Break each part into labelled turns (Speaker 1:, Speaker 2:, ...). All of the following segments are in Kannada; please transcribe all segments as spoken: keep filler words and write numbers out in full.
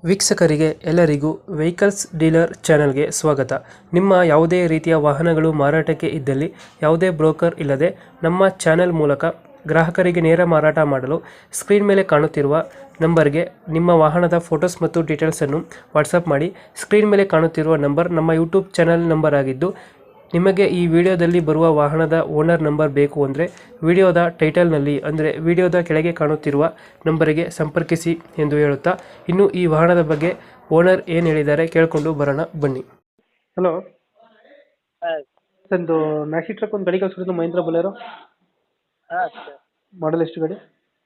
Speaker 1: ವೀಕ್ಷಕರಿಗೆ ಎಲ್ಲರಿಗೂ ವೆಹಿಕಲ್ಸ್ ಡೀಲರ್ ಚಾನೆಲ್ಗೆ ಸ್ವಾಗತ. ನಿಮ್ಮ ಯಾವುದೇ ರೀತಿಯ ವಾಹನಗಳು ಮಾರಾಟಕ್ಕೆ ಇದ್ದಲ್ಲಿ ಯಾವುದೇ ಬ್ರೋಕರ್ ಇಲ್ಲದೆ ನಮ್ಮ ಚಾನೆಲ್ ಮೂಲಕ ಗ್ರಾಹಕರಿಗೆ ನೇರ ಮಾರಾಟ ಮಾಡಲು ಸ್ಕ್ರೀನ್ ಮೇಲೆ ಕಾಣುತ್ತಿರುವ ನಂಬರ್ಗೆ ನಿಮ್ಮ ವಾಹನದ ಫೋಟೋಸ್ ಮತ್ತು ಡೀಟೇಲ್ಸನ್ನು ವಾಟ್ಸಪ್ ಮಾಡಿ. ಸ್ಕ್ರೀನ್ ಮೇಲೆ ಕಾಣುತ್ತಿರುವ ನಂಬರ್ ನಮ್ಮ ಯೂಟ್ಯೂಬ್ ಚಾನೆಲ್ ನಂಬರ್ ಆಗಿದ್ದು, ನಿಮಗೆ ಈ ವಿಡಿಯೋದಲ್ಲಿ ಬರುವ ವಾಹನದ ಓನರ್ ನಂಬರ್ ಬೇಕು ಅಂದರೆ ವಿಡಿಯೋದ ಟೈಟಲ್ನಲ್ಲಿ ಅಂದರೆ ವಿಡಿಯೋದ ಕೆಳಗೆ ಕಾಣುತ್ತಿರುವ ನಂಬರಿಗೆ ಸಂಪರ್ಕಿಸಿ ಎಂದು ಹೇಳುತ್ತಾ, ಇನ್ನು ಈ ವಾಹನದ ಬಗ್ಗೆ ಓನರ್ ಏನು ಹೇಳಿದ್ದಾರೆ ಕೇಳಿಕೊಂಡು ಬರೋಣ ಬನ್ನಿ. ಹಲೋ
Speaker 2: ಹಾಂ
Speaker 1: ಒಂದು ಮ್ಯಾಕ್ಸಿ ಟ್ರಕ್ ಒಂದು ಗಾಡಿ ಕಳಿಸ್ಕೊಡ್ತು, ಮಹೀಂದ್ರ ಬೊಲೆರೋ
Speaker 2: ಹಾಂ ಸರ್
Speaker 1: ಮಾಡಲ್ ಎಷ್ಟು ಗಾಡಿ?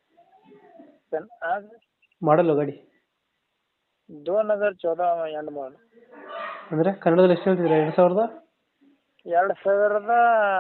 Speaker 2: ಸರ್ ಹಾಂ
Speaker 1: ಮಾಡಲ್ಲ ಗಾಡಿ
Speaker 2: ದೋನ್ ಹಜಾರ್ ಚೌದ ಎಂಡ್ ಮಾಡಲ್
Speaker 1: ಅಂದರೆ ಕನ್ನಡದಲ್ಲಿ ಎಷ್ಟು ಹೇಳ್ತಿದ್ರೆ? ಎರಡು ಸಾವಿರದ
Speaker 2: ಎರಡು ಸಾವಿರದ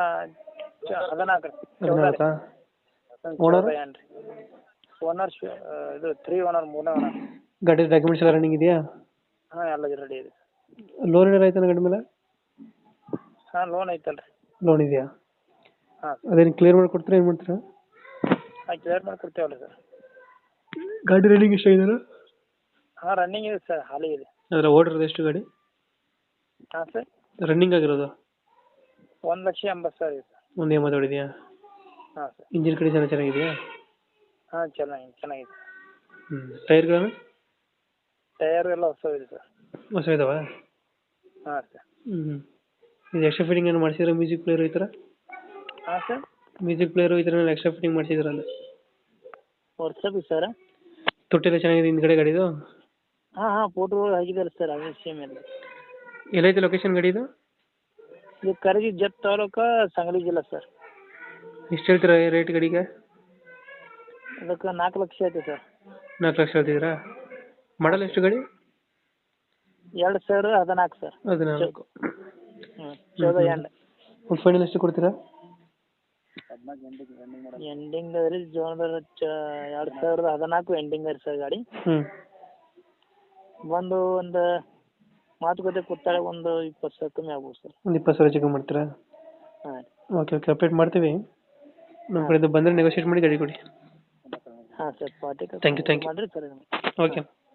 Speaker 2: ಚ- ಹದಿನಾಲ್ಕು
Speaker 1: ಹದಿನಾಲ್ಕಾ?
Speaker 2: ಓನರ್ ಏನ್ರಿ ಓನರ್ ಇದು ತ್ರೀ ಓನರ್ ಮೂರನೇ ಓನರ್.
Speaker 1: ಗಾಡಿ ಡಾಕ್ಯುಮೆಂಟ್ಸ್ ಎಲ್ಲ ರನ್ನಿಂಗ್ ಇದೆಯಾ?
Speaker 2: ಹಾಂ ಎಲ್ಲ ರೆಡಿ ಇದೆ.
Speaker 1: ಲೋನ್ ಏನಾರು ಆಯ್ತಾನ ಗಾಡಿ ಮೇಲೆ?
Speaker 2: ಹಾಂ ಲೋನ್ ಐತಲ್ರಿ.
Speaker 1: ಲೋನ್ ಇದೆಯಾ?
Speaker 2: ಹಾಂ
Speaker 1: ಅದೇನು ಕ್ಲಿಯರ್ ಮಾಡಿ ಕೊಡ್ತೀರಾ, ಏನು ಮಾಡ್ತೀರಾ?
Speaker 2: ಹಾಂ ಕ್ಲಿಯರ್ ಮಾಡಿ ಕೊಡ್ತೇವಲ್ಲ ಸರ್.
Speaker 1: ಗಾಡಿ ರನ್ನಿಂಗ್ ಎಷ್ಟಾಗಿದಾರ?
Speaker 2: ಹಾಂ ರನ್ನಿಂಗ್ ಇದೆ ಸರ್, ಹಾಲಿ ಇದೆ.
Speaker 1: ಅದರ ಓಡಿರೋದು ಎಷ್ಟು ಗಾಡಿ
Speaker 2: ಹಾಂ ಸರ್
Speaker 1: ರನ್ನಿಂಗ್ ಆಗಿರೋದು?
Speaker 2: ಒಂದು ಲಕ್ಷ ಎಂಬತ್ತು ಸಾವಿರ ಇದೆ ಸರ್.
Speaker 1: ಒಂದೇ ಮಾತಾಡಿದೆಯಾ?
Speaker 2: ಹಾಂ ಸರ್
Speaker 1: ಇಂಜಿನ್ ಕಡೆ ಚೆನ್ನಾಗಿ ಚೆನ್ನಾಗಿದೆಯಾ?
Speaker 2: ಹಾಂ ಚೆನ್ನಾಗಿ ಚೆನ್ನಾಗಿದೆ.
Speaker 1: ಹ್ಞೂ ಟೈರ್ಗಳನ್ನು
Speaker 2: ಟಯರು ಎಲ್ಲ ಹೊಸವಿದೆ ಸರ್.
Speaker 1: ಹೊಸ ಇದಾವ?
Speaker 2: ಹಾಂ ಸರ್.
Speaker 1: ಹ್ಞೂ ಇದು ಎಕ್ಸ್ಟ್ರಾ ಫಿಟ್ಟಿಂಗ್ ಏನು ಮಾಡಿಸಿದ್ರೆ? ಮ್ಯೂಸಿಕ್ ಪ್ಲೇಯರ್ ಈ ಥರ
Speaker 2: ಹಾಂ ಸರ್
Speaker 1: ಮ್ಯೂಸಿಕ್ ಪ್ಲೇಯರು ಈ ಥರ ಎಕ್ಸ್ಟ್ರಾ ಫಿಟ್ಟಿಂಗ್ ಮಾಡಿಸಿದ್ರಲ್ಲ?
Speaker 2: What's up sir.
Speaker 1: ತೊಟ್ಟೆಲ್ಲ ಚೆನ್ನಾಗಿದೆ ಹಿಂದ್ಗಡೆ ಗಾಡಿದು?
Speaker 2: ಹಾಂ ಹಾಂ ಫೋಟೋಗಳು ಆಗಿದೆಯಲ್ಲ ಸರ್, ಅದೇ ಸೇಮ್ ಎಲ್ಲ.
Speaker 1: ಎಲ್ಲೈತೆ ಲೊಕೇಶನ್ ಗಾಡಿ ಇದು?
Speaker 2: ಇದು ಕರಗಿ ಜತ್ ತಾಲೂಕು ಸಂಗಲಿ ಜಿಲ್ಲಾ ಸರ್.
Speaker 1: ಎಷ್ಟು ಹೇಳ್ತೀರಾ ರೇಟ್ ಗಾಡಿಗೆ?
Speaker 2: ಅದಕ್ಕೆ ನಾಲ್ಕು ಲಕ್ಷ ಐತೆ ಸರ್.
Speaker 1: ನಾಲ್ಕು ಲಕ್ಷ ಹೇಳ್ತಿದ್ದೀರಾ? ಮಾಡಲ್ ಎಷ್ಟು ಗಾಡಿ?
Speaker 2: ಎರಡು ಸಾವಿರ ಹದಿನಾಲ್ಕು ಸರ್.
Speaker 1: ಹದಿನಾಲ್ಕು.
Speaker 2: ಹ್ಞೂ ಚೌದ ಎಂಟು.
Speaker 1: ಒಂದು ಫೈನಲ್ ಎಷ್ಟು ಕೊಡ್ತೀರಾ?
Speaker 2: ಎಂಡಿಂಗ್ ಅದ್ರಿ ಜೋನದ ಚ ಎರಡು ಸಾವಿರದ ಹದಿನಾಲ್ಕು ಎಂಡಿಂಗ್ ಅರಿ ಸರ್ ಗಾಡಿ.
Speaker 1: ಹ್ಞೂ
Speaker 2: ಬಂದು ಒಂದು ಮಾತುಕತೆ ಕೂತಾಳೆ ಒಂದು ಇಪ್ಪತ್ತು ಸಾವಿರ ಕಮ್ಮಿ ಆಗ್ಬೋದು ಸರ್.
Speaker 1: ಒಂದು ಇಪ್ಪತ್ತು ಸಾವಿರ ಚಿಕನ್ ಮಾಡ್ತೀರಾ?
Speaker 2: ಹಾಂ
Speaker 1: ಓಕೆ ಓಕೆ ಅಪ್ಡೇಟ್ ಮಾಡ್ತೀವಿ. ನಮ್ಮ ಕಡೆಯಿಂದ ಬಂದರೆ ನೆಗೋಷಿಯೇಟ್ ಮಾಡಿ ಗಾಡಿ ಕೊಡಿ.
Speaker 2: ಹಾಂ sir party
Speaker 1: thank you thank you
Speaker 2: ಮಾಡಿರಿ ಸರ್.
Speaker 1: ಓಕೆ.